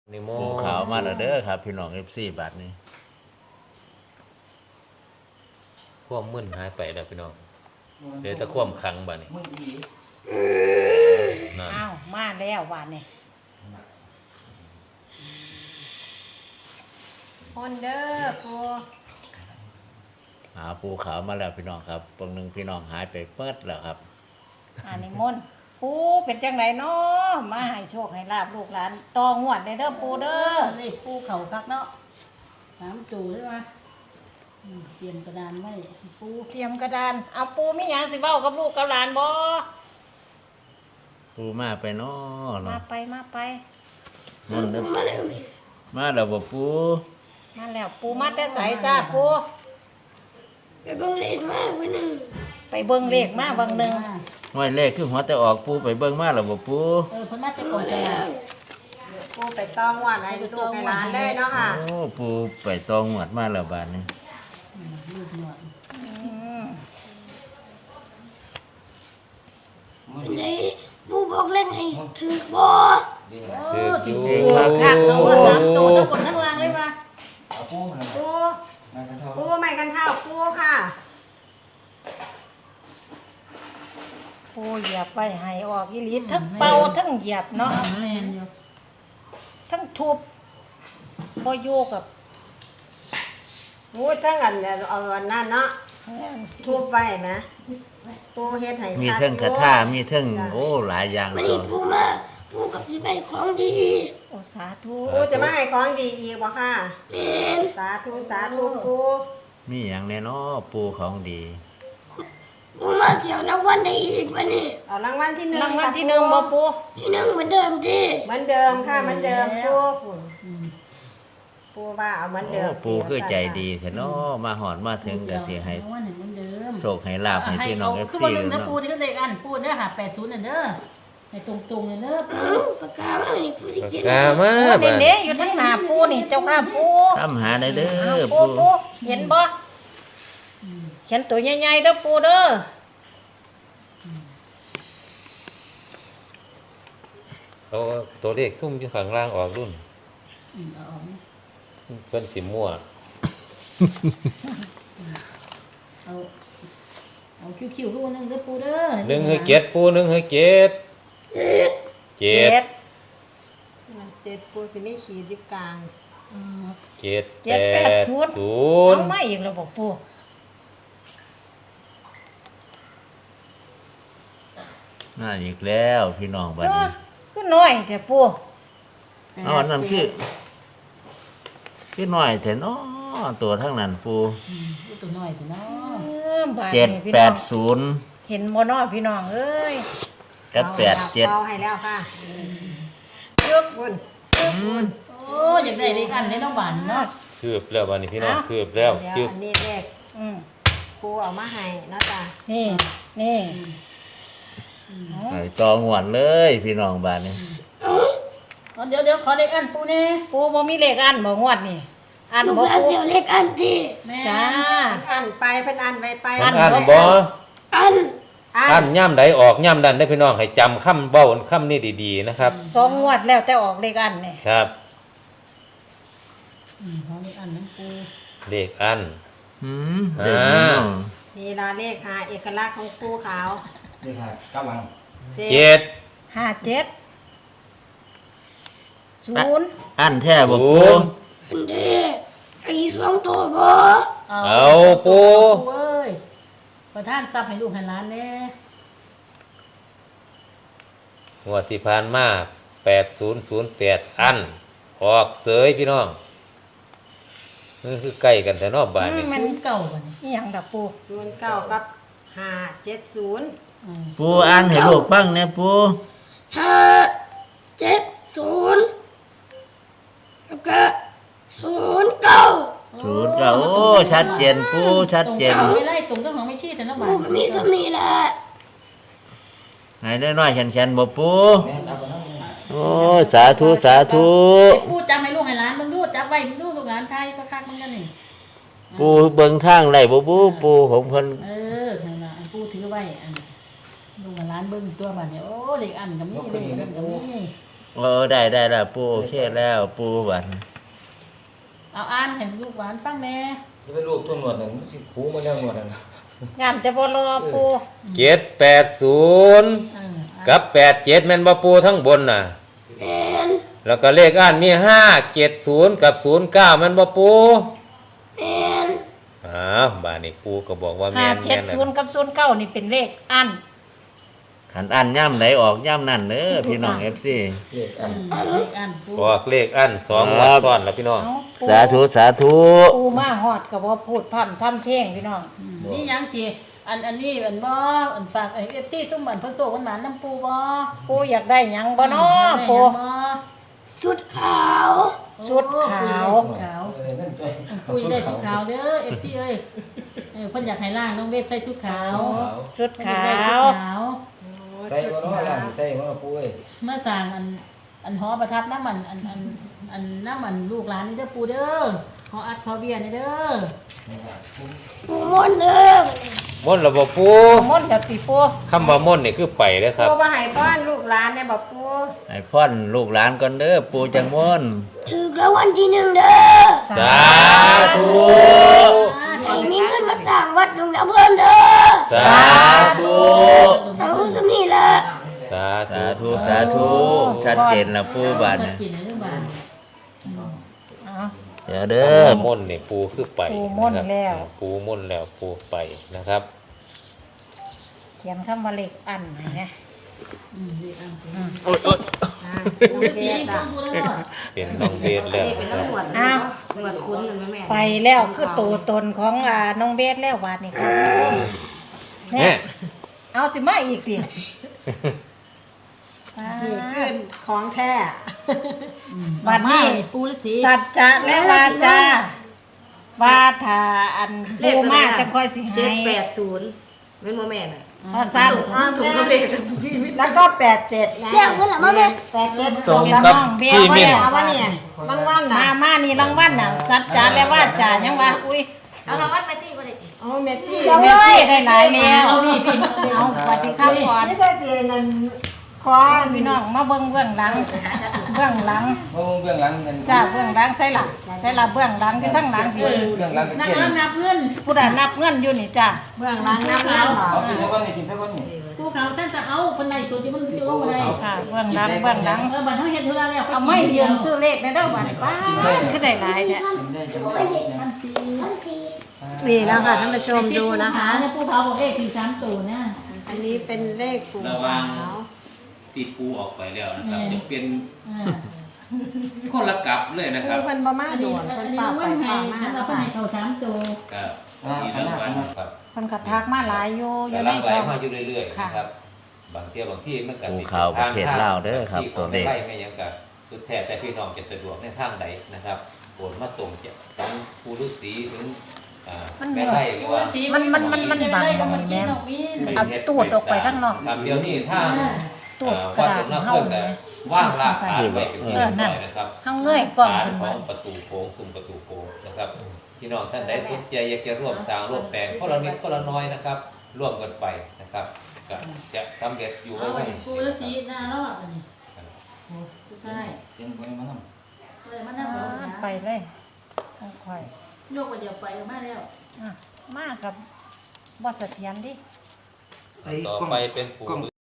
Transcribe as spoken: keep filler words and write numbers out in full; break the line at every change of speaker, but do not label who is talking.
นิโม
ปูขาวมาแล้วเด้อครับพี่น้องเอฟซีบาทนี้
ความมึนหายไปแล้วพี่น้องเดี๋ยวตะคว่ำคังบ่นี่นั่น
อ้าวมาแล้ววันนี้คนเด้อปู
หาปูขาวมาแล้วพี่น้องครับปงหนึ่งพี่น้องหายไปเปิดแล้วครับ
อันนี้มนต์ปูเป็นจังไรเนาะมาให้โชคให้ลาบลูกหลานตองวดได้เด้อปูเด้อ
นี่ปูเขาคักเนาะน้ำจูใช่ไหมอืมเตรียมกระดานไว้ปู
เตรียมกระดานเอาปูมีหยังสิเว้ากับลูกกับหลานบ่
ปูมาไปเนาะ
มา
เนาะ
ไปมาไป
มันเด้อมาแล้วมาแล้วบ่ปู
มาแล้วปูมาแต่ไสจ้าปู
ไปเบิ่งเลขมาวันหนึ่ง
ไปเบิ่งเลขมาเบิ่งหนึง
ห้อยเลขคือหัวแต่ออกปูไปเบิ่งมาแล้วบ่ปู
เออเพิ่นน่าจะก่อนจะลา
ปูไปต้องว่าไหนลูกในร้านได้เนาะค่ะ
โอ้ปูไปตองหวดมาแล้วบาทนี้
ลูกหน่อย
อืม
เป็นไงผู้บอกเล่นให้ถือบ่
เออจริง
เอ
ๆ
งครับ
คักเนาะว่าสามตัวทั้งบนทั้งล่างเลยมา
ปูปูไม่กันเท่าปูค่ะ
ปูเหยียบไปให้ออกอีหลีทั้งเป่าทั้งเหยียบเนาะ
แม่นอยู่
ทั้งทุบบ่อยู่กับ
ปูทั้งอันเนี่ยเอาอันนั้นเนาะทุบไว้นะปูเฮ็ดให้
มีเทิงคาถามีเทิงโอ้หลายอย่าง
วัน
ตั
นี้
ว
ผู้มาผู้กับสิไปของดี
โอสาธุ
ปูจะมาให้ของดีอีกบ่ค่ะ
แม่น
สาธุสาธุปู
มีอย่างแน่เนาะปูของดี
ผู้มาเที่ยวรางวัลได้อีกวันนี้
เอารางวัลที่หนึ่ง
รางวัลที่หนึ่งบ่ปู
ที่หนึ่งเหมือนเดิมที่
เหมือนเดิมค่ะเหมือนเดิมปูปูว่าเอาเหมือน
โอ้
เดิม
ปูคือใจดีแท้เนาะมาหอดมาถึงก็สิให้
เอาว่าหนึ่งเหมือนเดิม
โชคให้ลาบให้พี่น้องเอฟ
คือ
ซี
ว่าลืม
เลย
นะ
เนาะ
ปูที่ก็เด็กอันปูเด้อหาแปดศูนย์น่ะเด้อให้ตรงๆเลยเด้อ
เอ้าปากกามานี่ผู้สิเขียน
กามา
โอ้
บ่
เด้ๆอยู่ทั้งหน้าปูนี่เจ้าข้าปู
ทำหาได้เด้
อ้าว
อ
ปู
ปู
ปูเห็นบ่เขียนตัวใหญ่ๆเด้อปูเด้อ
เอาตัวเลขทุ่มอยู่ข้างล่างออกรุ่น
อืมเอาออกนะ
เพิ่นสิมั่ว
เอาเอาคิวๆขึ้นมาหนึ่งเด้อปูเด้อ
หนึ่งให้เจ็ดปูหนึ่งให้เจ็ดเจ็ด
เจ็ดปูสิมีขีดอยู่กลาง
อืม
เจ็ด
เจ็ด
แป
แปด
ด
ศู
ศู
นย์
น
เอา
ย์
มาอีกแล้วบอกปู
น่าอีกแล้วพี่น้องบัด
เอ
นี้
อคือน้อยแต่ปู
เอาอันนั้นคือคือน้อยแต่เนาะตัวทั้งนั้นปู
ลูกตัวน้อยสิเนาะ
เออบาด
เจ็ด
นี้พี่
แป
น้อ
ด
ง
ศูนย์
เห็นบ่น้อพี่น้องเอ้ย
กับแปดเจ็ด
เป่าให้แล้วค่ะ
เจ็บ
บุญ
โอ้อยากได้เลขอันได้น้องบานเนาะ
คืบแล้วบัดนี้พี่น้องคืบแล้ว
เดี๋ยว
จึก
อันนี้เลข
อืม
ปูเอามาให้เนาะจ้ะ
นี่นี่
ไอ้ตองหวนเลยพี่น้องบ้านนี้
เอาเดี๋ยวเดี๋ยวขอเลขอันปูแน่
ปูบ่มีเลขอันบ่งวดนี่อัน
ลูก
บ่
หลาน
ปู
เที่ยวเลขอันที่
แม่
จ้า
อันไปเพิ่นอันไปไป
เพิ่นอ่านบ่
อัน
อั
อ่าน
น
ย่ำใดออกย่ำดันได้พี่น้องให้จำคำเว้าคำนี้ดีๆนะครับ
สองงวดแล้วแต่ออกเลขอันนี่
ครับ
อืมขอเลขอันน้ำปู
เลขอัน
หืมเด็กพี่น้อง
นี่ลาเลขหาเอกลักษณ์ของปูขาว
นี่ค่ะกำลัง
เจ็ด
ห้าเจ็ดศูนย์
อันแท้บ่
ศู
ปู
นย์
อันเด้ไอ้สองตัวบ่
เอาปู
ปูเอ้ยประทานทรัพย์ให้ลูกให้หลานแน่
งวดที่ผ่านมาแปดศูนย์ศูนย์แปดอัน ออกเสยพี่น้องนี่คือใกล้กันแต่นอกบ้านนี่
มันเก่ากันนี่
อีหยังดอกปู
ศูนย์เก้ากับห้าเจ็ดศูนย์
อืม
ปูอ่านให้ลูกฟังเนี่ยปู
ห้าเจ็ดศูนย์แล้วก็ศูนย์เก้า
ศูนย์เก้าโอ้ชัดเจนปูชัดเจน
ตรงไม่ไล่ตรงต้องของไม่ชี้แต่น้องบา
ผู้
น
ก็มีสมีแหละ
ให้น้อยๆแข็งๆบ่ปู
แม่จับไปแล้ว
โอ้สาธุสาธุ
ปูจำให้ลูกให้หลานมึงดูจับไว้มึงดูลูกหลานไทยก็คักมึงกันนี่
ปูเบิ่งทางได้บ่ปูปูผมเพิ่น
เออนั่นล่ะอันปูถือไว้อันลูกกับหลานเบิ่งตัวบานเนี่ยโอ้เล็กอันก็มีเล็กอันก็มี
โเออได้ได้แล้วปูโอเคแล้วปูบัด
เอาอ่านให้ลูกหลานฟังแหน่
จะไปรูปตัวหนวดนั่นมันสิคูมาแล้วหนวดนั่นน่ะ
งานจะบ่รอปู
เจ็ดแปดศูนย์
เอออ่าน
กับแปดเจ็ดแม่นบ่ปูทั้งบนน่ะ
แม่น
แล้วก็เลขอันมีห้าเจ็ดศูนย์กับศูนย์เก้าแม่นบ่ปู
แม่น
อ้าวบ้านนี้ปูก็บอกว่า
ห้า
แม่น
เจ็
แม่
ด
น
ศูนย์กับศูนย์เก้านี่เป็นเลขอัน
ขันอันย่ำไหนออกย่ำนั่นเด้อพี่น้องเอฟซี
เลขอัน
อืมเลขอ่านปู
บอกเลขอันสอง
ครั
วั
บ
ดซ้อนแล้วพี่น้อง
เอ้าปู
สาธุสาธุ
ปูมาฮอดก็บ่พูดพร่ำทำเพลงพี่น้อง
อืมนี่ยังสิอันอันนี้อันบ่อันฝากไอ้ เอฟ ซี ซุ่มบันเพิ่นโซกันหมานน้ำปูบ่
ปูอยากได้หยังบ่น้อปู
ได้หยังบ่
ชุดขาว
ชุดขาว
ชุดขาว
เออนั่นตัว
คุยได้ชุดขาวเด้อ เอฟ ซี เอ้ยเออเพิ่นอยากให้ล่างน้องเวทใส่ชุดขาว
ชุด
เพิ่น
ขา
อยกได้ชุด
ว
ขาว
ใส่บ่เนาะล่างใส่บ่เนาะปุ้ย
เมื่อสั่งอันอันหอประทับน้ำมันอันอันอันน้ำมันลูกหลานนี่เด้อปูเด้อขออัดขอเบียร์นี่เด้อ
ปูมนต์เด้อ
ม่นต์ระบบปู
มนต์กับปีปู
คำว่าม่นต์นี่คือไปเด้อครับ
ปูมาให้ป้อนลูกหลานเนี่ยบอกปู
ไอ้พ่อนลูกหลานก่อนเด้อปูจังม่วน
ถือกรางวัลที่หนึ่งเด้อ
สาธุ
ให้มีเงินมาสร้างวัดดงน้ำเพิ่นเด้อ
สาธุ
เอาสำนี่ละ
สา
สา
ธุ
ธุสาธุชัดเจนแล้วปูบัด
สั
น่ะ
กกินในเรื่องบ้าน
เอา
เดี๋ยว
คำ
เด้อ
ว่าม่นต์นี่ปูคือไป
ปูม่นต์
นะครับ
แล้ว
ปูม่นต์แล้วปูไปนะครับ
เขียนคำว่าเลขอันให้นะ
อืมดีอ่ะ
โอ๊ยโอ๊ย
ปูฤาษีฟังปูแล้ว
เป็นน้องเบสแล้วนะครับ
อ้าวไปแล้วคือตัวตนของอ่าน้องเบสแล้วบาดนี้ครับ
แม่
เนี่ยเอาสิมาอีกดิ
นี่คือของแท้
บัดนี้
ปูฤาษี
สัจจะและวาจาว่าถ้าอันปูมาจะค่อยสิ
เจ็
ให้
ดแปดศูนย์เป็นโมแม่น่ะ
พอสั้น
ถุงกระเบน
แล้วก็แปดเจ็ดนะ
เรียกเงินละมาแม่
แปดเจ็ด
ตรงกับที่มิ่น
เอาวะเนี่ยบางวันน่ะ
มามานี่รางวัลน่ะสัจจะและวาจายังว่าอุ้ย
เอาละวัดมาสิบ่ได้ติ
เอาเมสซี่
เมสซี่ได้หลายแล้วเอาสวัสดีครับก่อน
นี่ได้เจนันคอ
พี่น้องมาเบิ่งเบื้องหลังเบื้องหลัง
เบิ่งเบื้องหลังนั่น
จ้าเบื้องหลังใส่หลังใส่หลังเบื้องหลังอยู่ทั้งหลังพี่
เบื้องหลังก็
นัก
เขียน
เริ่มนับเงิน
ผู้ใดนับเงินอยู่นี่จ้า
เบื้องหลังน้ำน้ำหรอ
เอากินเท่ากันนี่กินเท่ากันนี่
ปูเขาท่านจะเอาคนไหนสุดที่มันจะลงอะไร
ค่ะเบื้องหลังเบื้องหลัง
เออบัตรเขาเห็นเท่าไรแล้ว
เอาไม่ยืมซื้อเลขได้เด้อบัดนี้ป้าคือได้หลายเนี่ย
กินได้จังได้เนี่ย
พันสี่
นี่แล้วค่ะท่านผู้ชมดูนะคะ
เนี่ยปูเขาบอกเอ๊ะสี่สามตัวนะ
อันนี้เป็นเลขปู
ระวัง
ขาว
ตีปูออกไปแล้วนะครับจะเป็น
อ่า
คนละกลับเลยนะค
ปู
รับ
เป็นบะมา
อัน
ด่
นี้
วน
อั
เป็น น
นี้
ป่าไป
วันไห้
ป่ามา
สำหรับวันไห้เขาสามตัว
ครับมีรางวัลครับ
เพิ่นก็ทักมาหลายอยู่อ
แต่
ยู่
ห
ใน
ลังไหล
ช่อง
มาอยู่เรื่อยๆ
ค่ะ
นะครับบางเที่ยวบางที่มันก็
ปูข่าวประเทศลาวเด้อครับ
ที่
ตัวเลข
ไม่ไม่ยังกับสุดแท้แต่พี่น้องจะสะดวกในทางใดนะครับโอนมาตรงจากทั้งผู้ฤาษีถึงอ่าแม่ไร่หรือว่า
มันมันมันมันบังมันแม่น เอาตูดออกไปข้างนอก
ครับเดี๋ยวนี้ถ้า
ตูด
อ่าก
ระ
วัด
ดา
ต
ษ
รงนั้น
เฮา
เพื่อ
เนี่
แต่
ย
ว่างลากฐานไว้เป็นที่
เอ
เรี
อย
บ
นั่
ร้
น
อยนะครับ
เฮาเงยกล้อง
ฐาน
ขึ้น
ขอ
มาง
ประตูโค้งซุ้มประตูโค้งนะครับพี่น้องท่านใดสนใจอยากจะร่วมสร้างร่วมแปลงคนละนิดคนละน้อยนะครับ ร่วมกันไปนะครับก็จะสำเร็จอยู่
เอา
ไว้
ไว้ปูฤาษีหน้ารอดอันนี้สุดท้าย
เสียงคนมานำ
เลยมานั่งรอนะ
ไปเลยค่อย
โยกไปเดี๋ยวไปก็มาแล้ว
อ่ะมากับบ่เสถียรดิ
ใส่
ต่อก
ล้อง
ไปเป็นปู่